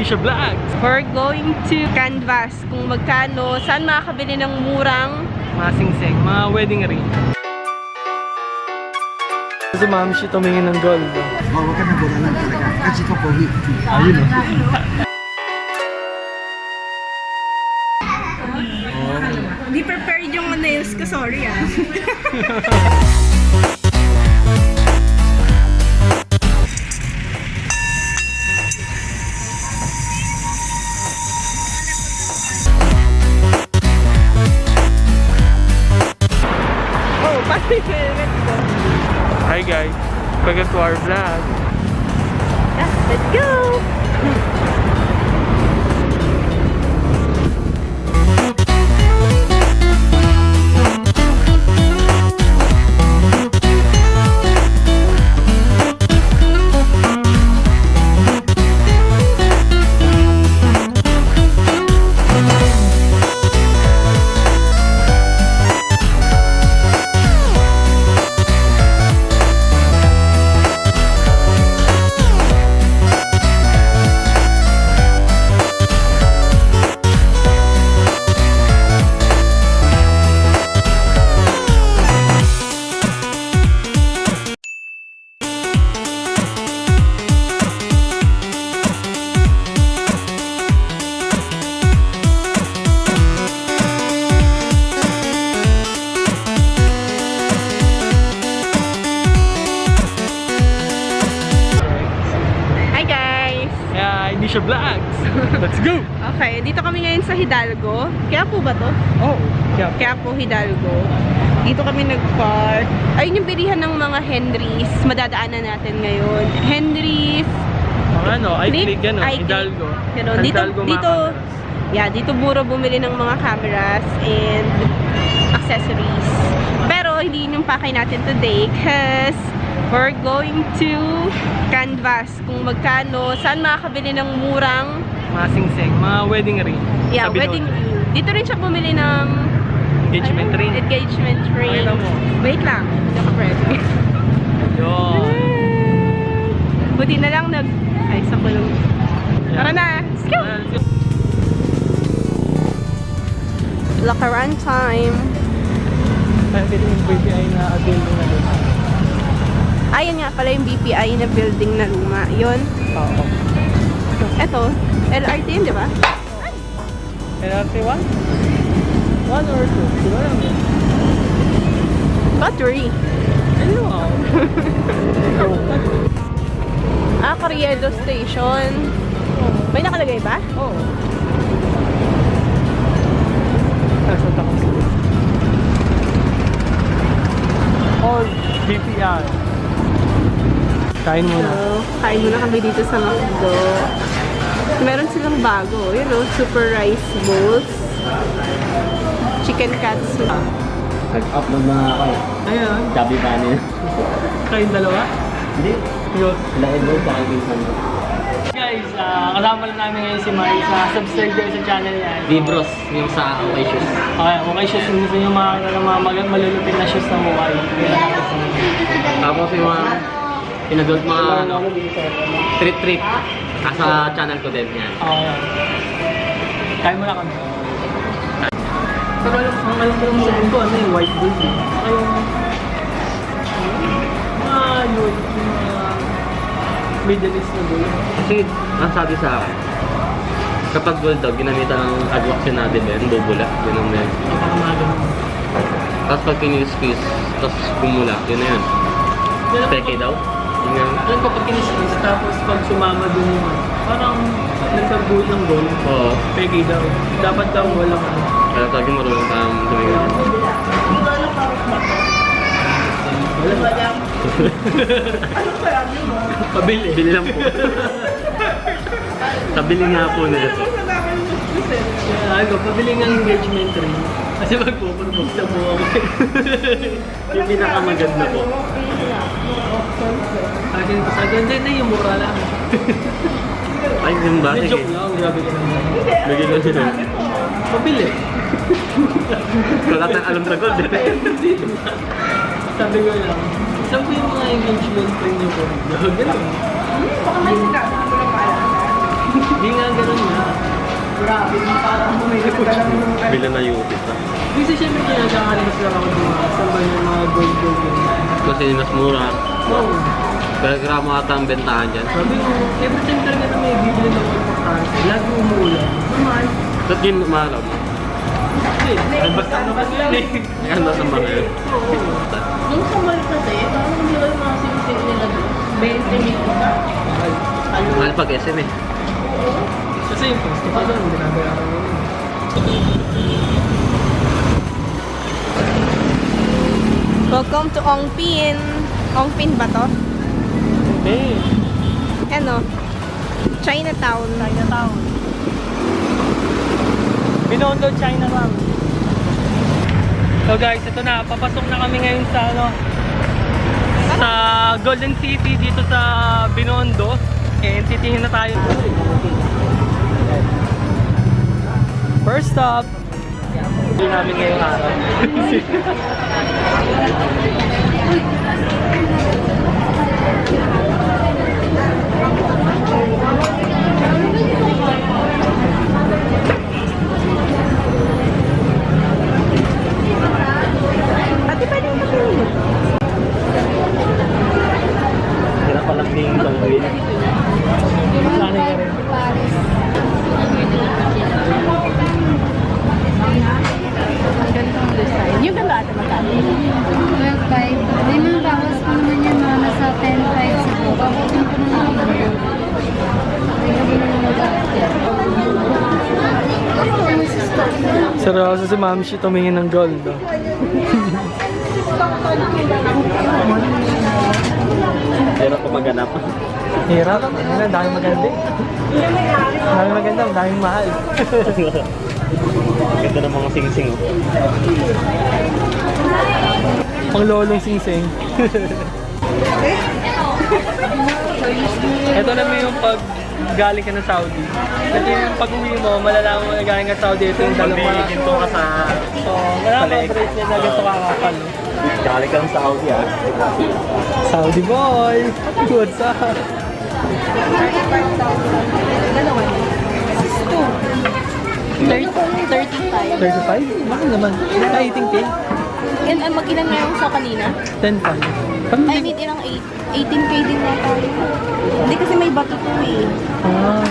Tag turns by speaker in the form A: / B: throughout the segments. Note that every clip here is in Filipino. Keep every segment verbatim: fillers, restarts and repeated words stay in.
A: Misha Vlogs.
B: We're going to canvas kung magkano, saan makakabili ng murang
A: Mga singseng, mga wedding ring. Si Ma'am Shi tumingin ng gold.
C: Oh, wag ka na buralan talaga. Kasi ka pogi.
A: Ayun o.
B: Di prepared yung nails ko, sorry ah. Oh, pati let's go.
A: Hi guys, welcome to our vlog.
B: Yeah, let's go!
A: Misha Vlogs. Let's go!
B: Okay, dito kami ngayon sa Hidalgo. Kaya po ba to?
A: Oh, yeah.
B: Kaya po Hidalgo. Dito kami nag-park. Ayun yung bilihan ng mga Henrys. Madadaanan natin ngayon. Henrys.
A: Mga ano, I
B: Nick,
A: click ano,
B: I-click.
A: Hidalgo.
B: Ganun. Dito,
A: Hidalgo
B: dito,
A: mga
B: yeah, dito mura bumili ng mga cameras and accessories. Pero hindi yun yung pakay natin today because we're going to canvas kung magkano, saan makakabili ng murang
A: mga singseng, mga wedding ring.
B: yeah,
A: Sabi
B: wedding
A: doon.
B: ring. Dito rin siya bumili ng
A: Engagement
B: ano,
A: ring.
B: engagement ring.
A: Pakita mo.
B: Wait lang, hindi ako ready.
A: Yun.
B: Buti na lang nag... Ay, sa kulong. Tara na! Let's go!
A: Ah, let's go.
B: Lakaran time.
A: Kaya pwede yung B P I na building na doon.
B: Ayan nga pala yung B P I na building na luma. Yun.
A: Oo.
B: Eto, L R T yun, di ba?
A: L R T one? one or two? Di ba lang yun?
B: Battery.
A: Ano ako?
B: Ah, Carriedo Station. May nakalagay ba?
A: Oo. Nasa takot. All B P I. Kain muna.
B: So, kain muna kami dito sa McDo. Meron silang bago. Yun o, super rice bowls. Chicken katsu.
C: Nag-upload na ako eh.
A: Ayan.
C: Chubby Bunny.
A: Kayong dalawa?
C: Hindi.
A: Yun.
C: Sila Edward sa aking pinsan ko.
A: Guys, ah, kasama lang namin ngayon si Mari sa subscribe kayo sa channel niya.
C: Libros, yung sa Okay Shoes.
A: Okay, okay shoes. Kung gusto nyo mga, mga, mga malulupit na shoes na mukhay.
C: Tapos yung mga pinagod mga ano, trip-trip. Nasa channel ko din yan.
A: Okay. Kain mo na kami. Pero alam, ang alam ko lang sa ko, ano yung white gold eh. Ay, ah, yun. Yung mga Middle East na gold.
C: Kasi, ang sabi sa akin, kapag gold daw, ginamitan ng adwaction natin din, bubula. Yun ang yan.
A: Napakamaga mo.
C: Tapos pag kinis-kiss, tapos bumula, yun na yun. Peke daw. Yun nga.
A: Alam ko pag kinis-kiss, tapos pag sumama dun yung ano, parang nagkagold ng gold.
C: Oo.
A: Peke daw. Dapat daw walang ano.
C: Kaya talaga marunong kang tumingin.
A: Pabili.
C: Bili lang po. Tabili nga po nila to.
A: Kaya ako, pabili nga ng engagement ring. Kasi magpupropose na po ako.
C: Yung pinakamaganda po.
A: Kasi sa ganda na yung mura lang.
C: Ay, yung ba?
A: Hindi,
C: Sige.
A: joke lang. Grabe ka naman.
C: Bigyan lang sila.
A: Pabili.
C: Wala tayong alam sa gold.
A: Sabi ko lang, saan po yung mga engagement ring niyo po? Ganun.
B: Baka may sinabi ko lang paalala.
A: Hindi nga ganun nga. Grabe, parang bumili ko lang yung
C: Bila na YouTube na.
A: Kasi syempre kinagkakalas lang ako ng mga saan ba yung mga gold gold yun.
C: Kasi mas mura.
A: Oo.
C: Pero gramo ata ang bentahan dyan.
A: Sabi ko, every time talaga na may bibili ng importante, lagi umuulan. Naman.
C: Ba't yun umalaw mo?
A: Kasi, ay basta naman yun eh.
C: Yan nasa mga yun.
A: Oo. Yung sa mall kasi, parang hindi ko yung mga sinisip nila doon. twenty minutes ka. Ano?
C: Mahal pag S M eh.
A: Kasi yung posto pa doon, binabayaran mo yun.
B: Welcome to Ongpin. Ongpin ba to?
A: Eh,
B: Ano? Chinatown.
A: Chinatown. Binondo, China lang. So guys, ito na. Papasok na kami ngayon sa ano sa Golden City dito sa Binondo. And titingin na tayo. First stop. Hindi namin ngayong araw.
B: Ate, pwede mo pili.
C: Kira palang ding gawin.
A: Sana ka rin.
B: Ang gandang design. Yung ganda ate magkano?
D: twelve five. May mga bawas ko naman yan mga nasa ten five siguro. Bawasin ko naman ang mga. May gabi naman mag-aakit.
A: Seryoso si Ma'am Shi tumingin ng gold. Oh.
C: Pero kung maganap.
A: Hirap. Ano, daming maganda. Daming maganda, daming mahal.
C: Ganda ng mga sing-sing. Oh.
A: Pang lolong sing-sing. Ito naman yung pag galing ka ng Saudi. Ito yung pag uwi mo, malalaman mo na galing ka sa Saudi. Ito yung dalawa.
C: Ginto ka sa...
A: So, wala mga bracelet na ganito kakapal.
C: Galing ka ng Saudi ah.
A: Saudi boy! What's up?
B: thirty, thirty-five.
A: thirty-five? Bakit naman? Ah, eighteen K?
B: And uh, mag-ilan na yung sa kanina?
A: ten five.
B: I mean, ilang eight, eighteen K din na tayo. Hindi kasi may bato to eh.
A: Ah.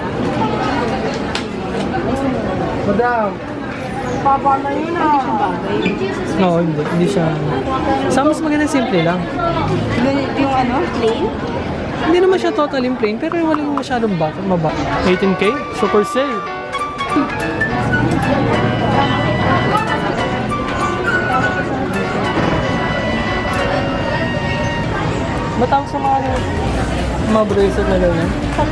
A: Madam!
B: Papa na yun ah. Hindi siya bagay.
A: No, hindi. Hindi siya. Sa mas maganda simple lang.
B: Ganito yung ano, plain?
A: Hindi naman siya totally plain, pero walang masyadong baka, mabaka. eighteen K? Super sale! Matawag sa mga mga bracelet na ganyan.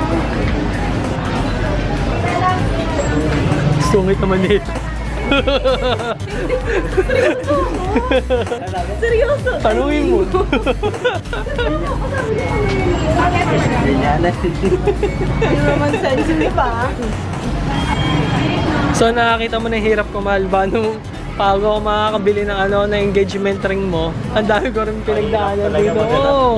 A: Sungit naman nito.
B: Seryoso?
A: Tanungin mo.
B: Hindi naman sensitive ah.
A: So nakakita mo na yung hirap ko mahal ba nung bago ako makakabili ng ano na engagement ring mo. Ang dami ko rin pinagdaanan dito. Oo.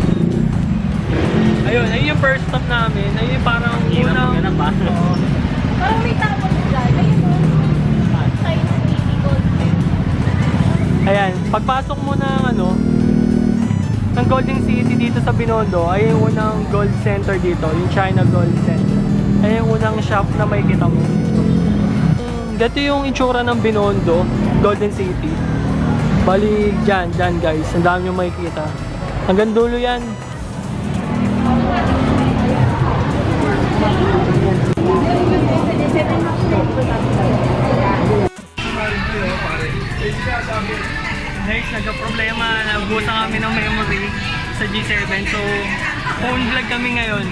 A: Ayun, ayun yung first stop namin. Ayun yung parang unang... Oo.
B: Parang may tapos dyan. Ayun o. China City Gold.
A: Ayan, pagpasok mo ng ano ng Golden City dito sa Binondo, ay yung unang gold center dito, yung China Gold Center. Ay yung unang shop na makikita mo. Dito yung itsura ng Binondo, Golden City. Bali, dyan, dyan guys. Ang dami yung makikita. Hanggang dulo yan. Guys, nagka-problema. Nabusan kami ng memory sa G seven. So, phone vlog kami ngayon.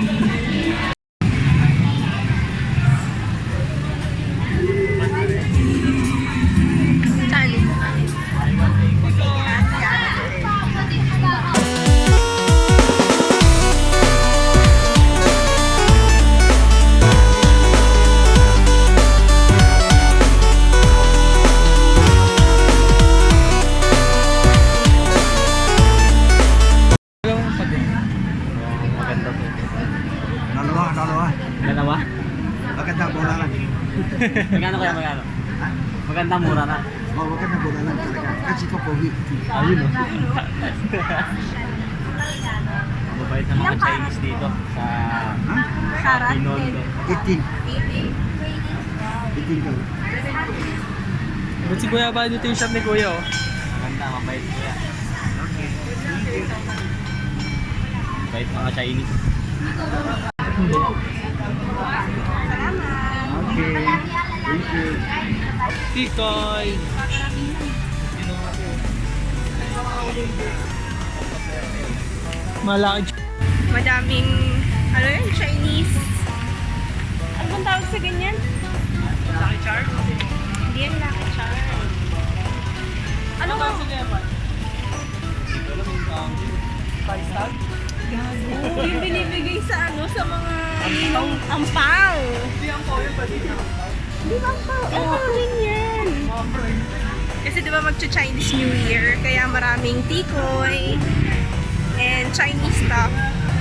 C: Magkano kaya magkano? Maganda, mura na.
E: Oh, wag ka na bola lang talaga. Kasi ko pogi.
A: Ayun oh.
C: Mabait ng mga Chinese dito sa
B: Sarap.
C: Binondo.
E: eighteen. eighteen ka.
A: Ba't si Kuya ba dito yung shop ni Kuya oh?
C: Maganda, mabait ko yan. Mabait mga Chinese.
E: Okay. Thank you.
A: Tikoy! Malaki.
B: Madaming, ano yun, Chinese. Ano bang tawag sa ganyan?
A: Lucky Charm?
B: Hindi yan Lucky Charm. Ano nga?
A: Five star?
B: Oo, yung binibigay sa ano, sa mga ninong ampaw.
A: Hindi ang po yung pwede na.
B: Di ba ampaw? Ampaw din yan. Kasi di ba magcha-Chinese New Year, kaya maraming tikoy and Chinese stuff.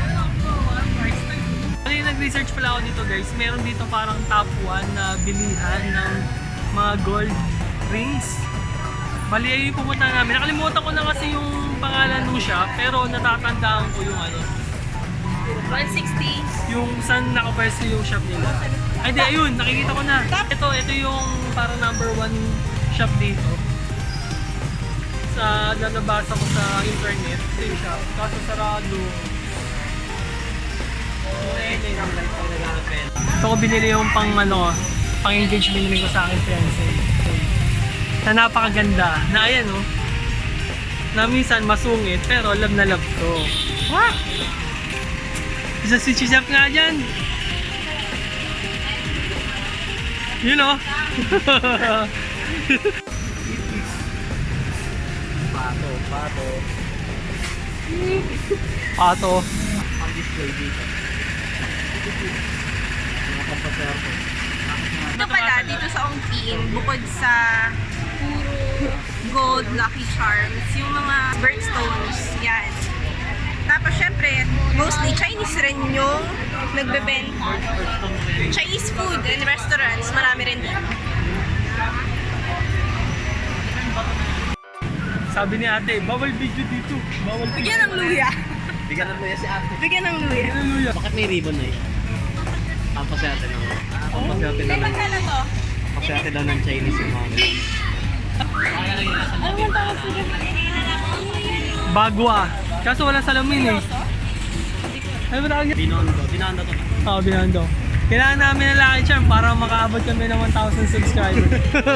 A: Ano yung nag-research pala ako dito guys, meron dito parang top one na bilihan ng mga gold rings. Bali ay yung pumunta namin. Nakalimutan ko na kasi yung pangalan ng shop, pero natatandaan ko yung ano,
B: one sixty.
A: yung saan nakapwesto yung shop nila. Ay di, ayun, nakikita ko na. Ito, ito yung parang number one shop dito. Sa nanabasa ko sa internet, ito yung shop. Kaso sarado. Ito ko binili yung pang ano, pang engage binili ko sa akin fiancé. Na napakaganda. Na ayan oh. Na minsan masungit pero love na love ko. Wah! Isa si Chizap nga dyan. Yun oh.
C: Pato, pato.
A: Pato.
C: Ang display dito. Mga pampaswerte.
B: Ito pala, dito sa Ongpin, bukod sa puro gold lucky charms, yung mga birthstones, yan. Tapos syempre, mostly Chinese rin yung nagbebenta. Chinese food and restaurants, marami rin dito.
A: Sabi ni ate, bawal video dito. Bawal video.
B: Bigyan ng luya.
C: Bigyan na mo yan si ate.
B: Bigyan ng luya.
A: Hallelujah.
C: Bakit may ribbon na eh? Pampaswerte ng... Pampaswerte daw
B: May
C: ng...
B: magkano to?
C: Pampaswerte daw ng Chinese yung mga ganun.
B: Ano man tawag sila?
A: Bagwa. Kaso walang salamin eh. Ano ba tawag niya?
C: Binondo. Binondo to.
A: Oo, oh, Binondo. Kailangan namin ng Lucky Charm para makaabot kami ng one thousand subscribers.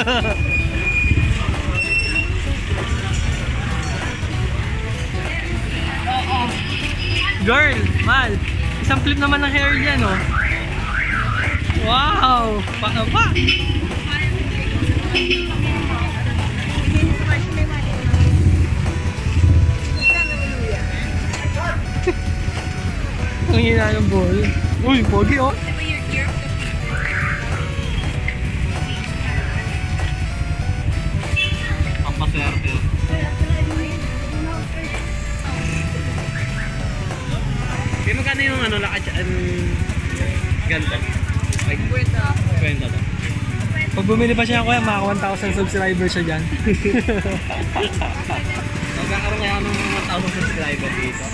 A: Girl, mal, isang flip naman ng hair dyan, oh. Wow! Paano pa? Ang hina ng ball. Uy, pogi, oh.
C: Pampaswerte yun. Kaya magkano yung ano, lakad um, ganda? Like, kwenta to.
A: Pag bumili pa siya, kuya, maka one thousand subscribers siya dyan.
C: Magkakaroon kaya ng one thousand subscriber dito.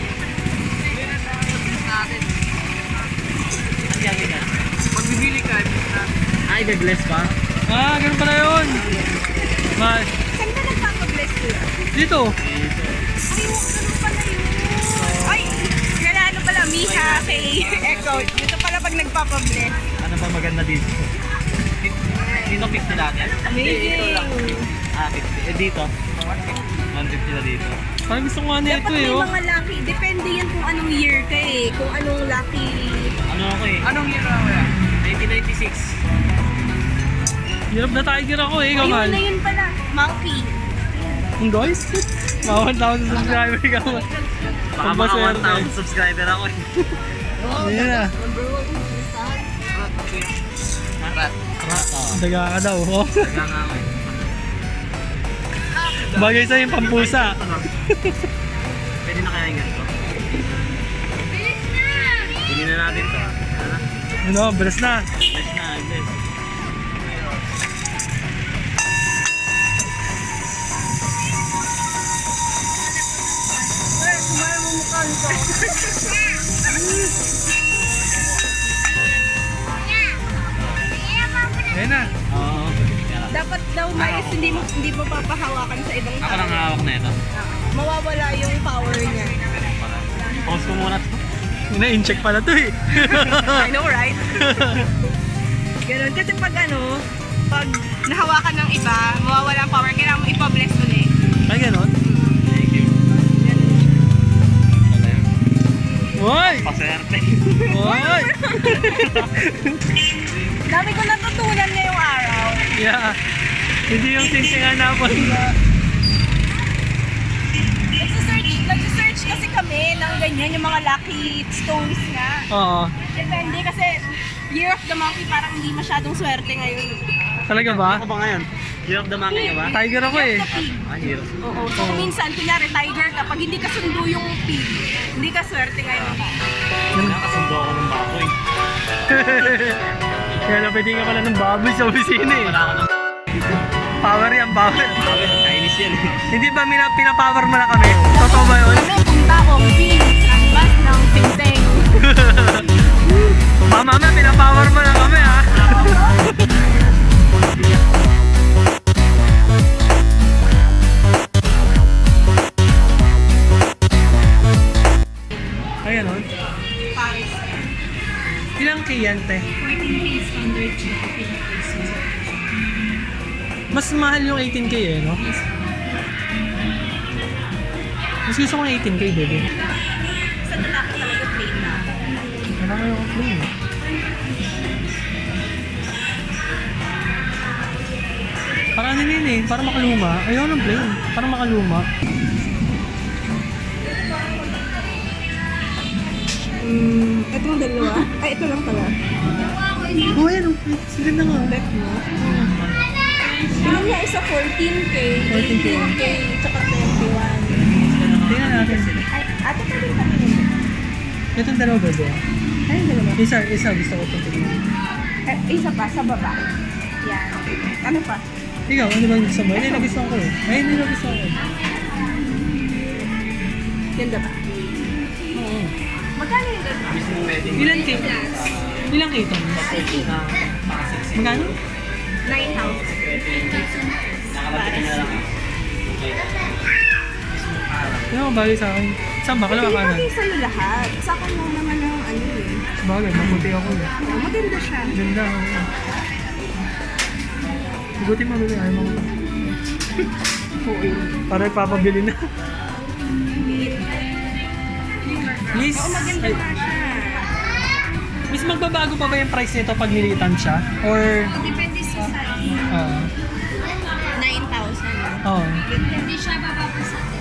C: Ang yagi ka? Pag bibili ka, ay, gagless pa?
A: Ah, ganun pala yun. Mal,
B: Saan ka nagpapabless nila?
A: dito.
C: Dito.
B: Ay, ganun pala yun. Ay, kaya ano pala, Miha kay Echo. Dito pala pag nagpapabless.
C: Ano ba maganda dito? Dito fifty natin.
B: Amazing.
C: Ah, fifty. Eh dito? one fifty na dito.
A: Parang gusto ko nga na ito
B: Dapat
A: eh,
B: may
A: oh.
B: mga lucky. Depende yan kung anong year ka eh. Kung anong lucky.
C: Ano ako eh? Anong year ako yan? nineteen ninety-six.
A: Hirap na tiger ako eh,
B: Ayun
A: kamal.
B: na yun pala. Monkey.
A: Ang guys, mga one thousand subscriber ka mo.
C: Baka mga one thousand subscriber ako eh.
A: Ayan na.
C: Rat. Rat. Oh.
A: Daga ka daw, oh.
C: Taga nga ako eh.
A: Bagay sa'yo yung pampusa.
C: Pwede na kaya yung ganito? Bili na natin to. Ano?
A: Ano, bless na.
C: Bless na, bless.
A: Ayan na.
C: Oo.
B: Dapat daw mais, hindi mo hindi mo papahawakan sa ibang
C: Ako nang hawak na ito.
B: Mawawala yung power niya.
C: Pause ko muna ito.
A: Ina-incheck pala to eh.
B: I know, right? Ganun. Kasi pag ano, pag nahawakan ng iba, mawawala ang power, kailangan mo ipa-bless ulit.
A: Ay, ganon?
C: Thank you. Wala yun.
A: Uy!
C: Paserte.
A: Uy!
B: Dami ko natutunan ngayong araw.
A: Yeah. Hindi yung singsingan na po.
B: Nagsisearch, nagsisearch kasi kami ng ganyan, yung mga lucky stones nga.
A: Oo.
B: Depende kasi Year of the Monkey parang hindi masyadong swerte ngayon.
A: Talaga ba?
C: Ako ba ngayon? Year of the Monkey ba?
A: Tiger ako eh.
C: Ah, year.
B: Oo. So kung minsan, kunyari tiger ka, pag hindi ka sundo yung pig, hindi ka swerte ngayon.
C: Nakasundo ako ng baboy.
A: Kaya napwede ka pala ng baboy sa opisina eh.
C: Wala ako ng
A: Power yan, power.
C: baboy. Chinese yan eh.
A: Hindi ba mina- pinapower mo na kami? Totoo ba yun?
B: Kami punta o pig, canvas ng pinseng.
A: Pa mama, pinapower mo na kami ha. Ay, ganon.
B: Paris.
A: Ilang kay yan, te? Mas mahal yung eighteen K eh, no? Mas gusto ko ng eighteen K, baby.
B: Sa lalaki talaga plain na.
A: Wala kayo ako plain eh. Para ano yun eh, para makaluma. Ayaw ng plain, para makaluma.
B: Mm, itong dalawa? Ay, ito lang pala.
A: Oh, ayan, oh. Sige na nga.
B: Bet mo. Tingnan niya isa fourteen K,
A: fourteen K.
B: eighteen K, tsaka twenty-one.
A: Tingnan natin.
B: Ay, ate pa rin kami nito.
A: Itong dalawa ba ba?
B: Ay, dalawa.
A: Isa, isa gusto ko itong tingnan.
B: Eh, isa pa, sa baba. Yan. Ano pa?
A: Ikaw, ano ba gusto mo? Ayun yung nagustuhan ko eh. Ayun yung nagustuhan ko.
B: Ganda ba?
A: Oo.
B: Magkano yung ganda?
C: Mismo wedding.
A: Ilan K? Ilan K ito? Magkano?
B: nine thousand.
C: Nakalapitan na lang.
A: Ano ang bagay sa akin? Saan ba? Kalawa
B: Hindi
A: kanan?
B: bagay sa'yo lahat. Sa akin mo naman ang ano eh.
A: Bagay, maputi ako eh.
B: Oh, maganda siya.
A: Ganda ako. Buti mo bili, ayaw mo. Para ipapabili na. Miss,
B: Oo, maganda
A: ay,
B: nga siya.
A: miss, magbabago pa ba yung price nito pag nilitan siya? Or,
D: Depende sa size.
A: ah,
B: nine thousand.
A: oo.
D: Hindi siya bababa sa atin.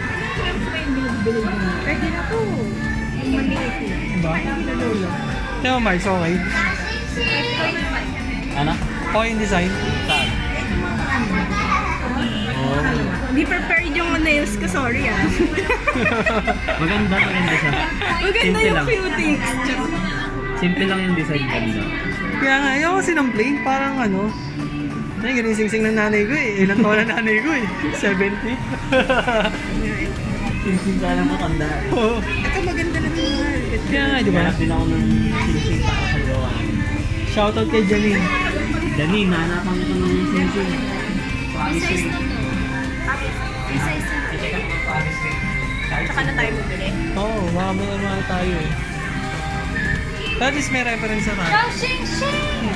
B: Pwede na po. Yung maliit na.
A: Diba? Tingnan mo, Mars, okay?
C: Ano?
A: Okay yung design?
C: Saan? Oh.
B: Hindi prepared yung nails ko, sorry ah.
C: Maganda, maganda siya.
B: Maganda
C: Simple
B: yung
C: lang.
B: cuties.
C: Simple lang yung design ganda.
A: Kaya nga, ayaw kasi ng plain, parang ano, ay, ganun yung sing-sing ng nanay ko eh. Ilang taon na nanay ko eh? seventy?
C: Simple ka lang matanda.
A: Oo.
B: Ito maganda na naman.
A: Kaya nga, di ba?
C: Hanap din ako ng singsing para sa gawa.
A: Shoutout kay Janine.
C: Dani, nahanapan ko ng singsing. Paris
D: Size
C: ring.
D: na to. Size na to.
C: I-check out ng Paris ring.
B: Tsaka na tayo bumili.
A: Oo, oh, baka may mga tayo eh. Pero at least may reference na tayo.
D: Chow Shing Shing!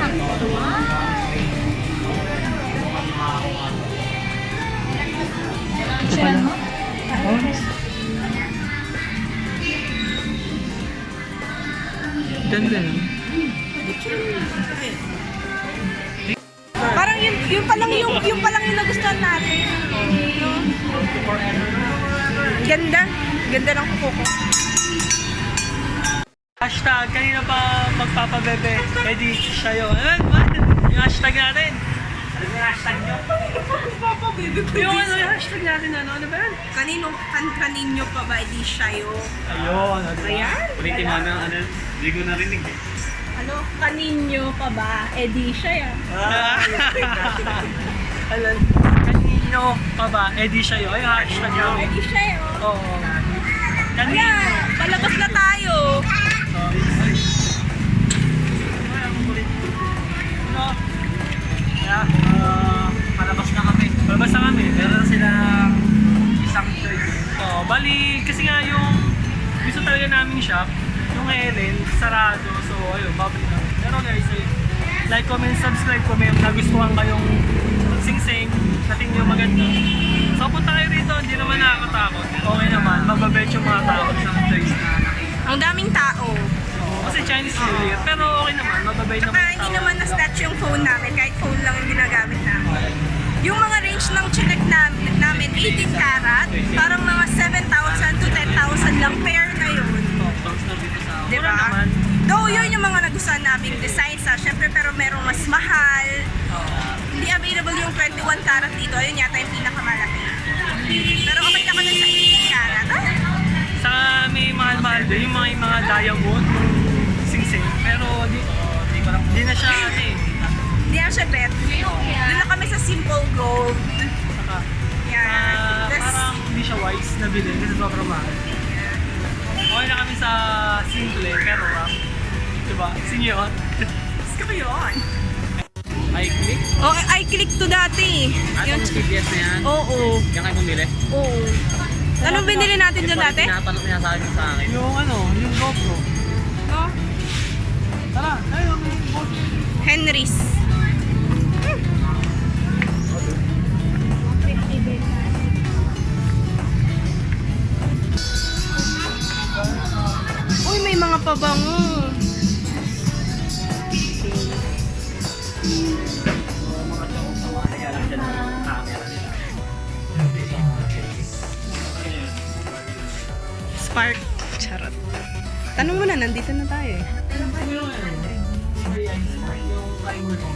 A: Ito pala. Oh. Ganda yun.
B: Parang yun, yun pa lang yung, yun pa lang yung nagustuhan natin. No? Ganda. Ganda ng kuko ko.
A: Hashtag, kanina pa magpapabebe. Edi, siya yun. Ano ba? Yung hashtag natin. Ano yung hashtag nyo? Yung ano yung hashtag natin, ano? Ano ba yan?
B: Kanino, kan, kaninyo pa ba, di siya yun?
A: Ayun. Ano ba?
B: Ayan.
C: Ulitin mo na, ano, hindi ko narinig eh.
B: Ano, kaninyo pa ba? Eh di siya yan.
A: Alam, kanino pa ba? Edi siya yun. Ay, hashtag
B: Eh
A: yun.
B: di siya yun.
A: Oo. Kanino.
B: Ayan.
C: na. Uh, palabas na kami.
A: Palabas na kami.
C: Meron sila isang choice.
A: Oh, bali, kasi nga yung gusto talaga namin shop, yung Helen, sarado. So, ayun, babalik na. Pero guys, ayun, like, comment, subscribe kung may nagustuhan kayong sing-sing, natin yung maganda. So, punta kayo rito, hindi naman nakakatakot. Okay naman, mababait yung mga tao sa choice na nakita.
B: Ang daming tao.
A: Kasi Chinese New Year, pero okay naman, mababait naman
B: Saka
A: yung
B: hindi
A: tao.
B: naman na-snatch yung phone namin, kahit phone lang yung ginagamit namin. Yung mga range ng chinek namin, namin eighteen karat, parang mga seven thousand to ten thousand lang pair na yun. Di
A: Mura
B: ba?
A: naman.
B: Though yun yung mga nagustuhan naming designs ha, syempre pero merong mas mahal. Hindi available yung twenty-one karat dito, ayun yata yung pinakamalaki. Pero okay naman yun sa eighteen karat. Ah?
A: Sa may mahal-mahal din, yung mga, yung mga diamond, yung sing-sing. Pero di, di na siya, ano eh.
B: Hindi na siya bet. Doon lang kami sa simple gold.
A: Saka,
B: Yan.
A: ah,
B: Tas-
A: parang hindi siya wise na bilhin kasi sobrang mahal. Okay na kami sa simple, pero ah, diba? Sinyon.
B: Gusto ko yun.
C: Ay, click.
B: Oh, I click to dati.
C: At
B: Yung,
C: yung G P S na yan.
B: oo.
C: Yan kayo bumili.
B: Oo. Anong binili natin dyan dati?
C: Pinatanong niya sa akin sa akin.
A: Yung ano, yung GoPro.
B: Oh,
A: Tara, ayun, yung GoPro.
B: Henry's. Uy, may mga pabango. Spark. Charot. Tanong mo na, nandito na tayo eh.
A: Yung ano, yung timer ko.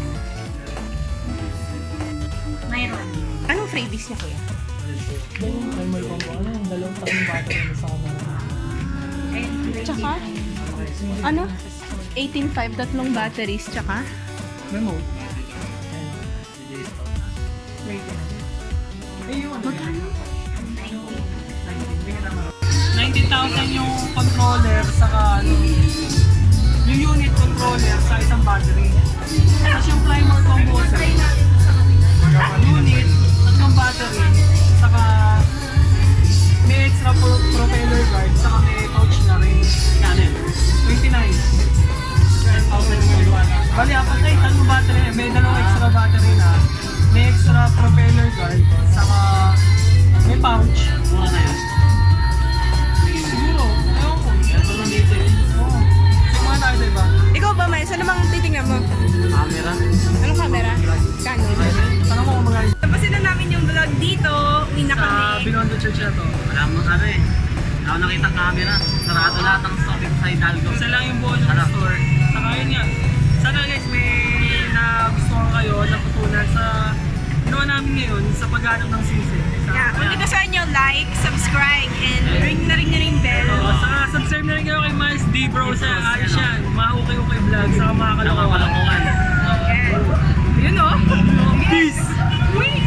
B: Anong freebies niya kuya?
A: Yung timer ko po, ano yung dalawang tatlong battery na sa kamera.
B: Tsaka? Ano? eighteen point five, tatlong batteries, tsaka?
A: Remote. Wait. Eh, yung ano? nineteen thousand yung controller saka ano, yung unit controller sa isang battery. Tapos yung primer combo sa unit, tatlong battery, saka may extra pro propeller guard, saka may pouch na rin. Canon. twenty-nine. twelve thousand yung bali, apat ay tatlong battery, may dalawang extra battery na, may extra propeller guard, saka may pouch.
C: Mura na yun.
A: Siguro, ewan ko.
C: Meron dito eh.
A: Oo. Siguro tayo, diba?
B: Ikaw ba, Miles? Ano bang titingnan mo?
C: Camera.
B: Anong camera? Canon.
A: Tanong mo kung magaling
B: Tapusin na namin yung vlog dito. Uwi na
A: sa
B: kami.
A: Binondo Church na to.
C: Wala mo ano eh. Wala ko nakita camera. Sarado lahat ang stock dito sa Hidalgo.
A: Isa lang yung buo ng
C: Ano?
A: store. Saka yun nga. Sana guys, may nagustuhan kayo, natutunan sa ginawa namin ngayon sa paghanap ng sisi. Sa,
B: Yeah. Kung dito sa inyo, like, subscribe, and ring na ring na ring bell.
A: Oo, saka subscribe na rin kayo kay Miles D. Bro sa ayos yan. Mga okay-okay vlog, saka mga kalokohan.
C: Nakakalokohan.
B: Yeah. Yun o.
A: Peace!
B: Uy!